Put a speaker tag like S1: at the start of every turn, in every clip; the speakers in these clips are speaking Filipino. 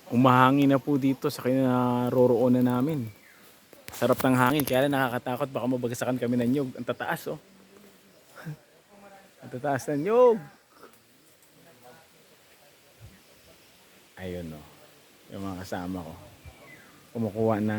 S1: Umahangin na po dito sa kinaroroonan namin. Sarap ng hangin, kaya lang nakakatakot, baka mabagsakan kami ng nyug. Ang tataas oh. Ang tataas ng nyug. Ayun oh. Yung mga kasama ko. Kumukuha ng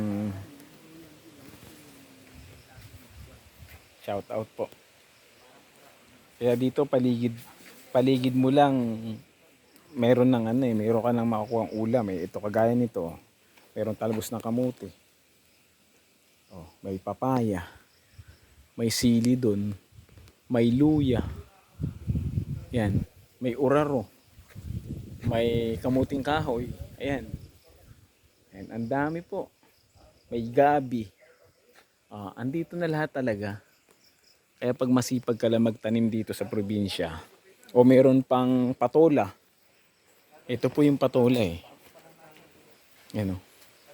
S1: shout out po. Kaya dito paligid mo lang meron ng meron ka nang makukuha ang ulam eh. Ito kagaya nito. Meron talbos ng kamuti. Oh, may papaya. May sili doon. May luya. Yan, may uraro. May kamuting kahoy. Ayan. Ayan, ang dami po. May gabi. Andito na lahat talaga. Kaya pag masipag ka lang magtanim dito sa probinsya, o meron pang patola. Ito po yung patola eh. Yan o.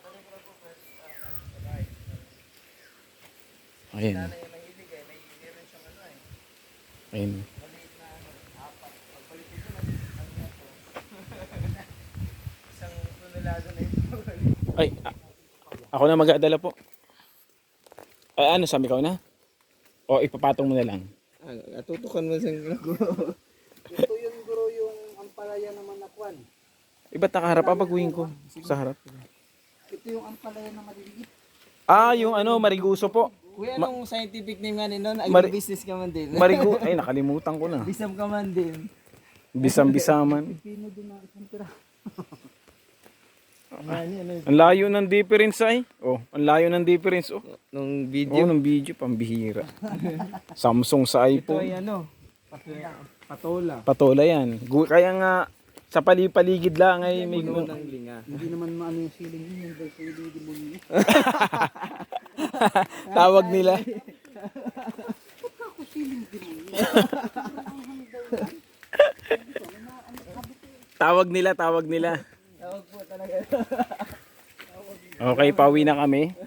S1: Ayan. Ayan. Ay, ako na mag-aadala po. Ay, ano, sabi ko na? O ipapatong mo na lang.
S2: Tutukan mo sa guro. Ito yung guro yung ampalaya naman na kwan.
S1: Iba't nakaharap pagwing ko sa harap.
S2: Ito yung ampalaya na maliliit.
S1: Yung ano, mariguso po.
S2: Kuya, anong scientific name nga nun? Agribusiness ka man din.
S1: Ay, nakalimutan ko na.
S2: Bisam ka man din.
S1: Bisam-bisaman.
S2: Pino din na isang tira.
S1: Ang layo ng difference ay. Oh, ang layo ng difference oh.
S2: Nung
S1: Nung video pambihira. Samsung sa
S2: ito
S1: iPhone.
S2: ay ano? Patola.
S1: Patola yan. Kaya nga sa paligid lang ay may
S2: Puno ng linga.
S3: Hindi naman maano yung siling yun, dahil sa ili demonyo.
S1: tawag nila.
S3: Ako siling demonyo.
S1: Tawag nila.
S2: Tawag po talaga.
S1: Okay, pauwi na kami.